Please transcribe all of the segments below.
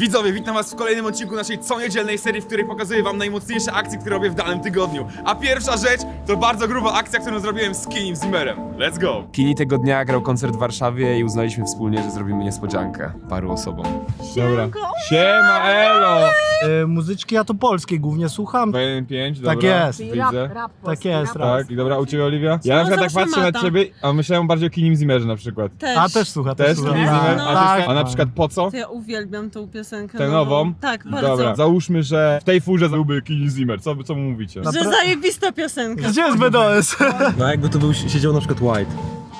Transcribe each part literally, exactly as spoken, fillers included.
Widzowie, witam was w kolejnym odcinku naszej coniedzielnej serii, w której pokazuję wam najmocniejsze akcje, które robię w danym tygodniu. A pierwsza rzecz to bardzo gruba akcja, którą zrobiłem z Kinim Zimmerem. Let's go! Kini tego dnia grał koncert w Warszawie i uznaliśmy wspólnie, że zrobimy niespodziankę paru osobom. Dobra. Siema, elo! E, muzyczki ja to polskie głównie słucham. jeden pięć, dobra. Tak jest. Widzę. Tak jest, rap. Tak, i dobra, u ciebie, Oliwia? Ja na przykład tak zawsze patrzę na Mata. ciebie, a myślałem bardziej o Kinim Zimmerze na przykład. Też. A też słucha, też, Też słucha. Kinim Tak, Zimmer? no. A, tak, ty, a na tak. przykład po co? To ja uwielbiam tą piosenkę. Tę nową? Tak, bardzo. Dobra, załóżmy, że w tej furze byłby Kinim Zimmer. Co, co mu mówicie? Na- Że zajebista piosenka. Gdzie jest B D S? No jakby tu był, siedział na przykład White.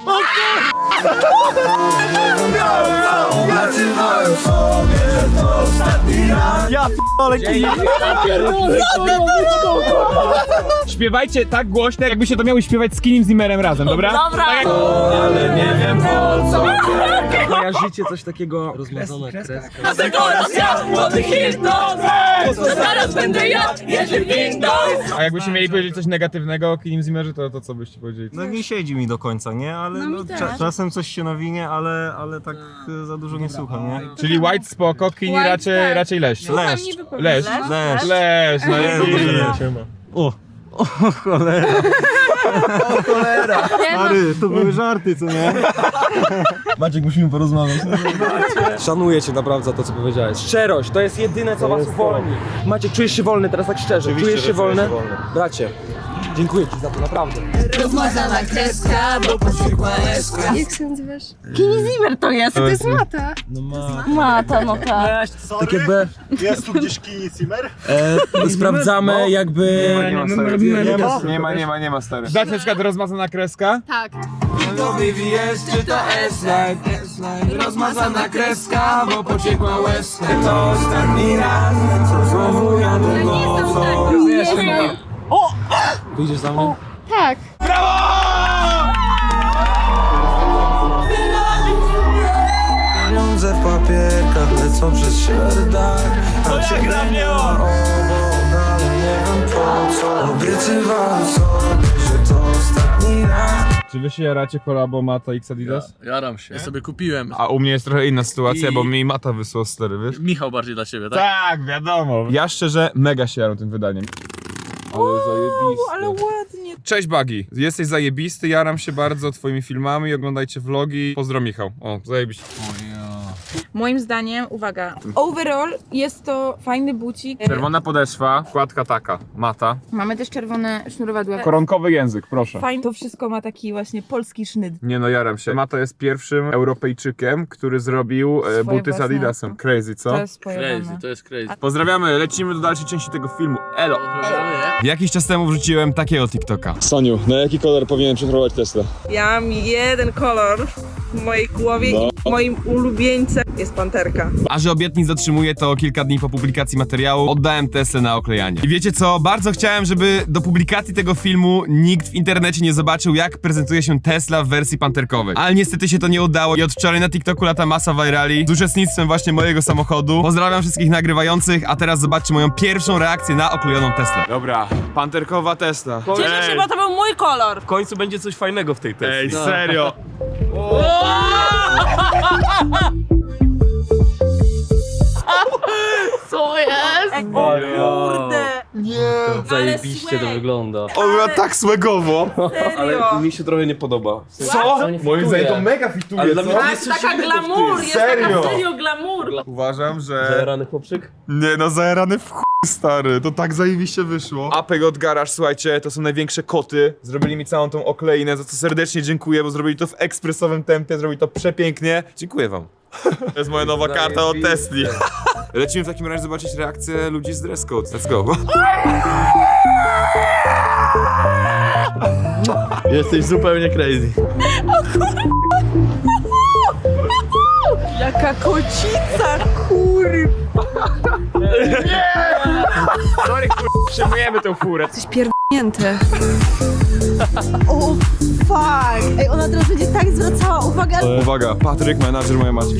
Ja p***ole kij. Śpiewajcie tak głośno, jakbyście to miały śpiewać z Kinim Zimmerem razem, dobra? Dobra. Tak jak... Ale nie wiem po co. Kojarzycie coś takiego? Rozmazana kreska. Zaraz będę ja, jedzie Windows. A jakbyście mieli powiedzieć coś negatywnego o Kinim Zimmerze, to, to co byście powiedzieli? No nie siedzi mi do końca, nie? Ale No mi no, też. cza czasem coś się nawinie, ale, ale tak e, za dużo nie słucham, nie? Czyli White spoko, Kini White, raczej, tak. raczej leś. Leszcz. Leś. Leszcz. Leś, no i... Siema. O! O cholera! O cholera! Stary, to były żarty, co nie? Maciek, musimy porozmawiać. Szanuję cię naprawdę za to, co powiedziałeś. Szczerość, to jest jedyne, co was uwolni. Maciek, czujesz się wolny teraz tak szczerze? Czujesz się wolny? Bracie, dziękuję ci za to, naprawdę. Rozmazana kreska, bo poszukła łezka. Jak się nazywasz? Kini Zimmer to jest. To jest Mata. No ma... Mata, no tak. Tak jakby Jest tu gdzieś Kini Zimmer? e, sprawdzamy jakby... Nie ma, nie ma, nie ma, nie ma, nie ma stary. Dać na przykład rozmazana kreska? Tak. Czy to S-Line? Rozmazana kreska, bo pociekła łezka. To ostatni raz, co znowu jadę nocą. Wyjdziesz za mnie? Tak. Pieniądze w papierkach lecą przez szerdach. A ciebie nie ma obok, ale nie wiem po co. Obiecywałem sobie, że to ostatni raz. Czy wy się jaracie kolabo Mata X Adidas? Jaram się. Ja sobie kupiłem. A u mnie jest trochę inna sytuacja, I- bo mi Mata wysłał stary, wiesz? Michał bardziej dla ciebie, tak? Tak, wiadomo. Ja szczerze mega się jaram tym wydaniem. Ale zajebiste. Ale ładnie. Cześć Bagi, jesteś zajebisty, jaram się bardzo twoimi filmami, oglądajcie vlogi. Pozdro Michał. O, zajebiście. Moim zdaniem, uwaga, overall jest to fajny bucik. Czerwona podeszwa, wkładka taka, Mata. Mamy też czerwone sznurowadła. Koronkowy język, proszę. Fajnie, to wszystko ma taki właśnie polski sznyt. Nie no, jaram się. Mata jest pierwszym Europejczykiem, który zrobił e, Swoje buty z własne. Adidasem. Crazy, co? To jest Crazy, pojebane. to jest crazy. Pozdrawiamy, lecimy do dalszej części tego filmu. Elo! Jakiś czas temu wrzuciłem takiego TikToka. Soniu, na jaki kolor powinien przechorować Tesla? Ja mam jeden kolor w mojej głowie No. i moim ulubieńcem jest panterka. A że obietnic dotrzymuję, to kilka dni po publikacji materiału oddałem Teslę na oklejanie. I wiecie co? Bardzo chciałem, żeby do publikacji tego filmu nikt w internecie nie zobaczył, jak prezentuje się Tesla w wersji panterkowej. Ale niestety się to nie udało i od wczoraj na TikToku lata masa virali z uczestnictwem właśnie mojego samochodu. Pozdrawiam wszystkich nagrywających, a teraz zobaczcie moją pierwszą reakcję na oklejoną Teslę. Dobra, panterkowa Tesla. Cieszę się, bo to był mój kolor. W końcu będzie coś fajnego w tej teście. Ej, serio? Co jest? Kurde. Zajebiście to wygląda. On ma tak słegowo. Serio. Ale mi się trochę nie podoba. Co? Moim zdaniem to mega fituje, Ale dla co? mnie to Tak, jest coś taka innego w glamour, tym. jest Serio? taka serio glamour. Uważam, że... Zajarany chłopczyk? Nie no, zajarany w chuj, stary, to tak zajebiście wyszło. Apek od Garage, słuchajcie, to są największe koty. Zrobili mi całą tą okleinę, za co serdecznie dziękuję, bo zrobili to w ekspresowym tempie, zrobili to przepięknie. Dziękuję wam. To jest moja nowa karta od Tesli. Lecimy w takim razie zobaczyć reakcję ludzi z dress code. Let's go. Jesteś zupełnie crazy. Jaka kocica, kurwa. Sorry, kur... przejmujemy tę furę. Coś pierdnięte. O fuck. Ej, ona teraz będzie tak zwracała uwagę. Uwaga, Patryk, menadżer mojej matki.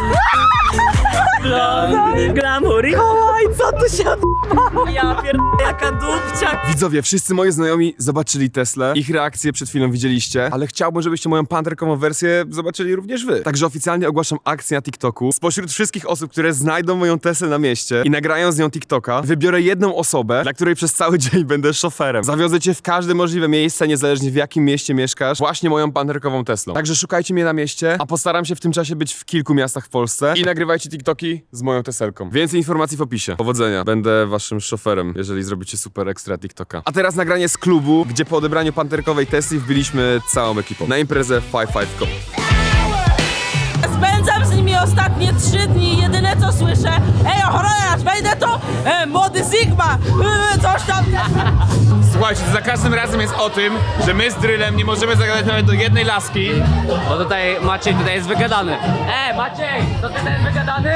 Glamour. Oj, co tu się odbywa? Ja pierdolę, Jaka dupcia! Widzowie, wszyscy moi znajomi zobaczyli Teslę. Ich reakcje przed chwilą widzieliście, ale chciałbym, żebyście moją panterkową wersję zobaczyli również wy. Także oficjalnie ogłaszam akcję na TikToku. Spośród wszystkich osób, które znajdą moją Teslę na mieście i nagrają z nią TikToka, wybiorę jedną osobę, dla której przez cały dzień będę szoferem. Zawiozę cię w każde możliwe miejsce, niezależnie w jakim mieście mieszkasz, właśnie moją panterkową Teslą. Także szukajcie mnie na mieście, a postaram się w tym czasie być w kilku miastach w Polsce i nagrywajcie TikToki z moją Teselką. Więcej informacji w opisie. Powodzenia. Będę waszym szoferem, jeżeli zrobicie super ekstra TikToka. A teraz nagranie z klubu, gdzie po odebraniu panterkowej Tesli wbiliśmy całą ekipą na imprezę Five Five Co. Spędzam z nimi ostatnie trzy dni. Jedyne co słyszę: ej, ochroniarz, wejdę to! E, młody Sigma! E, coś tam! Słuchajcie, za każdym razem jest o tym, że my z Drylem nie możemy zagadać nawet do jednej laski. Bo tutaj Maciej tutaj jest wygadany. E, Maciej, to ty jest wygadany?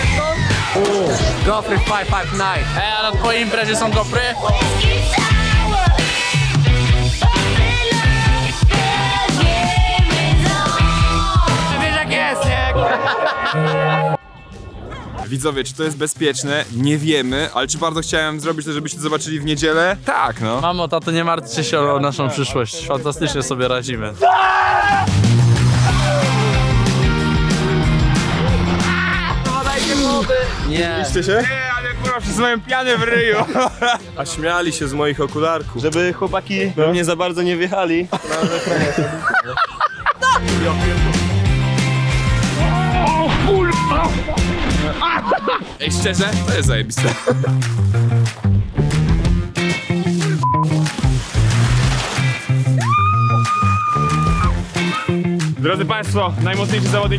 Gofry five five nine. Ej, a na twojej imprezie są gofry? Wiesz jak jest, nie? Widzowie, czy to jest bezpieczne? Nie wiemy, ale czy bardzo chciałem zrobić to, żebyście zobaczyli w niedzielę? Tak, no. Mamo, tato, nie martwcie się o naszą przyszłość. Fantastycznie sobie radzimy. Nie. Widzicie się? Nie, ale kurwa, wszyscy mają pianę w ryju. A śmiali się z moich okularków. Żeby chłopaki we mnie za bardzo nie wjechali. Ej, szczerze? To jest zajebiste. Drodzy Państwo, najmocniejszy zawodnik.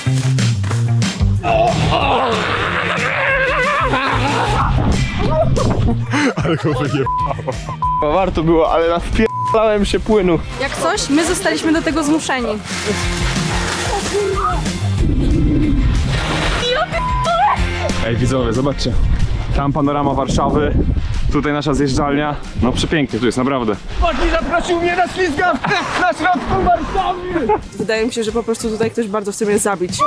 Ale go wyjebało. Warto było, ale naspierdalałem się płynu. Jak coś, my zostaliśmy do tego zmuszeni. Ej widzowie, zobaczcie. Tam panorama Warszawy, tutaj nasza zjeżdżalnia. No przepięknie tu jest, naprawdę. Wydaje mi się, że po prostu tutaj ktoś bardzo chce mnie zabić.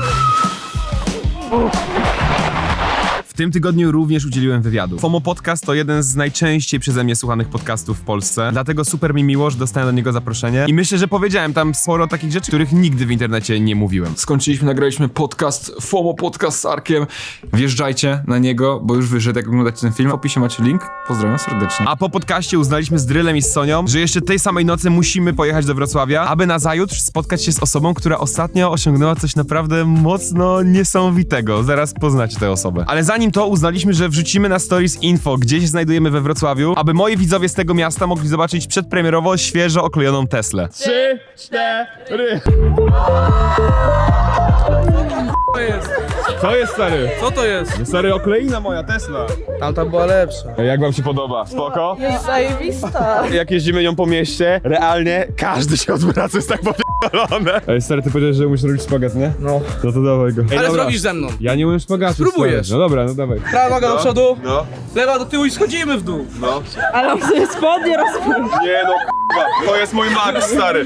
W tym tygodniu również udzieliłem wywiadu. FOMO Podcast to jeden z najczęściej przeze mnie słuchanych podcastów w Polsce, dlatego super mi miło, że dostałem do niego zaproszenie i myślę, że powiedziałem tam sporo takich rzeczy, których nigdy w internecie nie mówiłem. Skończyliśmy, nagraliśmy podcast, FOMO Podcast z Arkiem. Wjeżdżajcie na niego, bo już wyszedł, jak oglądacie ten film. W opisie macie link. Pozdrawiam serdecznie. A po podcaście uznaliśmy z Drylem i z Sonią, że jeszcze tej samej nocy musimy pojechać do Wrocławia, aby nazajutrz spotkać się z osobą, która ostatnio osiągnęła coś naprawdę mocno niesamowitego. Zaraz poznacie tę osobę. Ale zanim to uznaliśmy, że wrzucimy na stories info, gdzie się znajdujemy we Wrocławiu, aby moi widzowie z tego miasta mogli zobaczyć przedpremierowo świeżo oklejoną Teslę. Trzy, cztery. Co jest, stary? Co to jest? Stary, okleina moja Tesla. Tamta była lepsza. Jak wam się podoba? Spoko? Jest zajebista. Jak jeździmy nią po mieście, realnie każdy się odwraca, jest tak popierdolone. Ej, stary, ty powiedziałeś, że umiesz robić szpagat, nie? No. No to dawaj go. Ej, Ale dobra. zrobisz ze mną. Ja nie umiem szpagatu. Spróbujesz. stary. No dobra, no dawaj. Prawa noga do przodu, No, lewa do tyłu i schodzimy w dół. no. Ale on sobie spodnie rozpłył. Nie no, k***a, to jest mój max, stary.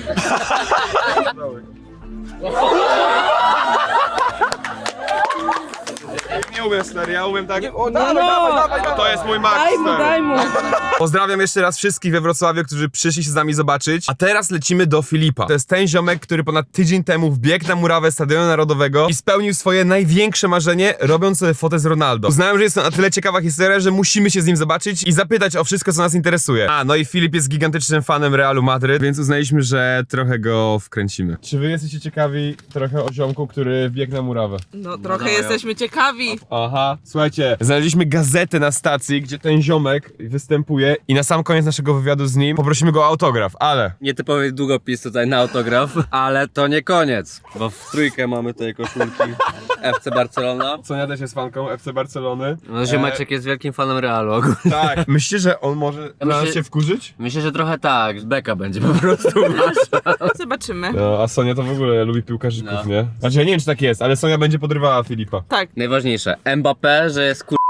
Nie umiem, stary, ja umiem tak... O, dawaj, dawaj, dawaj, dawaj. To jest mój max, Daj mu, stary. daj mu. Pozdrawiam jeszcze raz wszystkich we Wrocławiu, którzy przyszli się z nami zobaczyć. A teraz lecimy do Filipa. To jest ten ziomek, który ponad tydzień temu wbiegł na murawę Stadionu Narodowego i spełnił swoje największe marzenie, robiąc sobie fotę z Ronaldo. Uznałem, że jest to na tyle ciekawa historia, że musimy się z nim zobaczyć i zapytać o wszystko, co nas interesuje. A, no i Filip jest gigantycznym fanem Realu Madryt, więc uznaliśmy, że trochę go wkręcimy. Czy wy jesteście ciekawi trochę o ziomku, który wbiegł na murawę? No trochę jesteśmy ciekawi. Aha, słuchajcie, znaleźliśmy gazetę na stacji, gdzie ten ziomek występuje i na sam koniec naszego wywiadu z nim poprosimy go o autograf, ale... Nietypowy długopis tutaj na autograf, ale to nie koniec, bo w trójkę mamy tutaj koszulki F C Barcelona. Sonia też jest fanką F C Barcelony. No, ziomeczek jest wielkim fanem Realu ogólnie. Tak. Myślicie, że on może Ja nas myślę- się wkurzyć? Myślę, że trochę tak, beka będzie po prostu nasza. Zobaczymy. No, a Sonia to w ogóle lubi piłkarzyków, No. nie? Znaczy ja nie wiem, czy tak jest, ale Sonia będzie podrywała Filipa. Tak. Najważniejsze, Mbappé, że jest kur...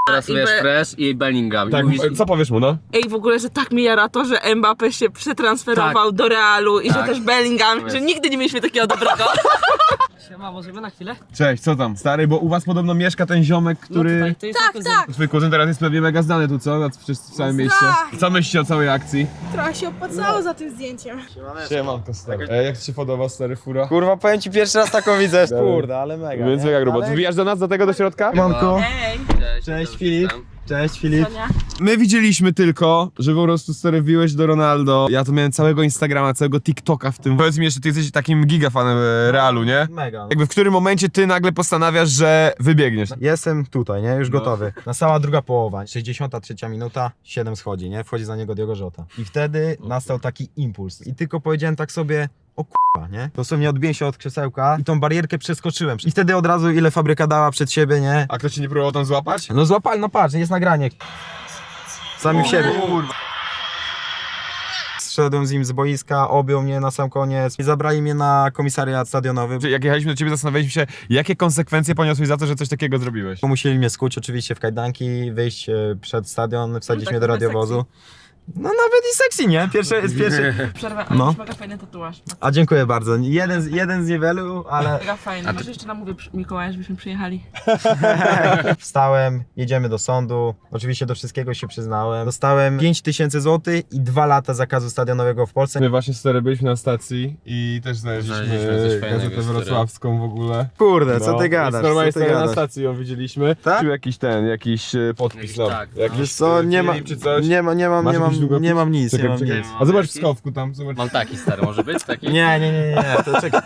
Teraz i wiesz, be- Fresh i Bellingham. Tak, I mówisz, co powiesz mu, no? Ej, w ogóle, że tak mi jara to, że Mbappé się przetransferował do Realu i że też Bellingham, że nigdy nie mieliśmy takiego dobrego. Siema, możemy na chwilę? Cześć, co tam? Stary, bo u was podobno mieszka ten ziomek, który... to jest Tak, tak. Twój kuzyn teraz jest pewnie mega znany tu, co? Na- Przecież w całym mieście. Co myślicie o całej akcji? Trochę się opłacało za tym zdjęciem. Siemanko, stary. E, jak ci się podoba, stary, fura? Kurwa, powiem ci pierwszy raz taką widzę. Kurde, ale mega. Więc nie? mega grubo. Ale- Wbijasz do nas, do tego, do środka? Manko. Ej, Cześć Filip. Cześć Filip. Sonia. My widzieliśmy tylko, że po prostu stary wbiłeś do Ronaldo. Ja tu miałem całego Instagrama, całego TikToka w tym. Powiedz mi jeszcze, ty jesteś takim gigafanem e, Realu, nie? Mega. Jakby w którym momencie ty nagle postanawiasz, że wybiegniesz? Jestem tutaj, nie? Już gotowy. Nastała druga połowa, sześćdziesiąta trzecia minuta, siedem schodzi, nie? Wchodzi za niego Diogo Jota. I wtedy nastał taki impuls. I tylko powiedziałem tak sobie, o k***a, nie? Dosłownie odbiłem się od krzesełka i tą barierkę przeskoczyłem. I wtedy od razu ile fabryka dała przed siebie, nie? A ktoś cię nie próbował tam złapać? No złapali, no patrz, jest nagranie. Sami w siebie. Zszedłem z nim z boiska, objął mnie na sam koniec i zabrali mnie na komisariat stadionowy. Jak jechaliśmy do ciebie, zastanawialiśmy się, jakie konsekwencje poniosłeś za to, że coś takiego zrobiłeś. Musieli mnie skuć oczywiście w kajdanki, wyjść e, przed stadion, wsadzić tak mnie do trochę radiowozu. No nawet i sexy, nie? Pierwszy, pierwszy. Przerwę, ale No. masz mega fajny tatuaż. A dziękuję bardzo. Jeden z, jeden z niewielu, ale Mega fajny. Może jeszcze namówię przy- Mikołaja, żebyśmy przyjechali. wstałem, jedziemy do sądu. Oczywiście do wszystkiego się przyznałem. Dostałem pięć tysięcy złotych i dwa lata zakazu stadionowego w Polsce. My właśnie stary byliśmy na stacji i też znaleźliśmy, Znaleźliśmy coś fajnego, gazetę stary. wrocławską w ogóle. Kurde, co No, ty gadasz? Normalnie Co ty stary na gadasz? stacji ją widzieliśmy. Tak? Czy jakiś ten, jakiś e, podpis, Jakiś no. tak. Jakiś, Wiesz co, nie, ma, film czy coś. nie, ma, nie mam, Masz nie jakiś mam, długopis? nie mam nic, Czekaj, nie mam czekaj. nic. A zobacz w skowku tam, zobacz. Mam taki stary, może być taki? Nie, nie, nie, nie, nie, to czekaj.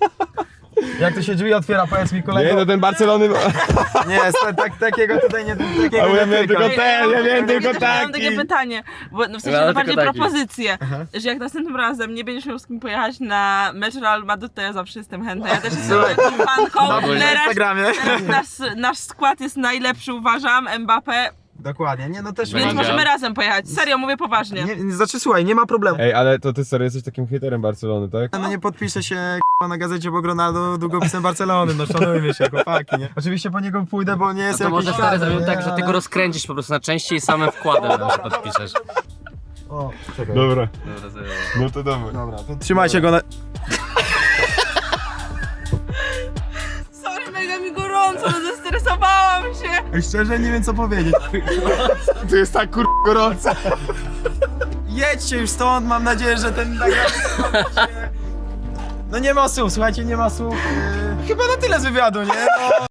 Jak to się drzwi otwiera, powiedz mi kolego. Nie, no ten Barcelony... Nie, sta- tak, takiego tutaj nie, takiego A ja nie miałem tykam. tylko ten, ja miałem tylko Ja mam taki. takie pytanie, bo no w sensie Ja bardziej tylko taki. propozycję, że jak następnym razem nie będziesz miał z kim pojechać na mecz Real Madrid, to ja zawsze jestem chętna. Ja też jestem taką fanką. Na Teraz, Instagramie. teraz nasz, nasz skład jest najlepszy, uważam, Mbappé, Dokładnie, nie, no też więc Mega. możemy razem pojechać. Serio, mówię poważnie. Nie, nie, znaczy słuchaj, nie ma problemu. Ej, ale to ty serio jesteś takim hejterem Barcelony, tak? No nie podpiszę się k***a, na gazecie, bo Ronaldo długopisem Barcelony, no szanujmy się, chłopaki, nie? Oczywiście po niego pójdę, bo nie No jest to jakiś może stary fan, zrobił nie? tak, że ty Ale- go rozkręcisz po prostu na części i samym wkładem nam się podpiszesz. O, czekaj. Dobra, Dobra, zajęło. no to dobra. Dobra, to trzymajcie go na... Sorry, mega mi gorąco, no zestresowałam się. Ej, szczerze nie wiem co powiedzieć. Tu jest tak kur... gorąco. Jedźcie już stąd, mam nadzieję, że ten nagrany... No nie ma słów, słuchajcie, nie ma słów. Yy, Chyba na tyle z wywiadu, nie? No.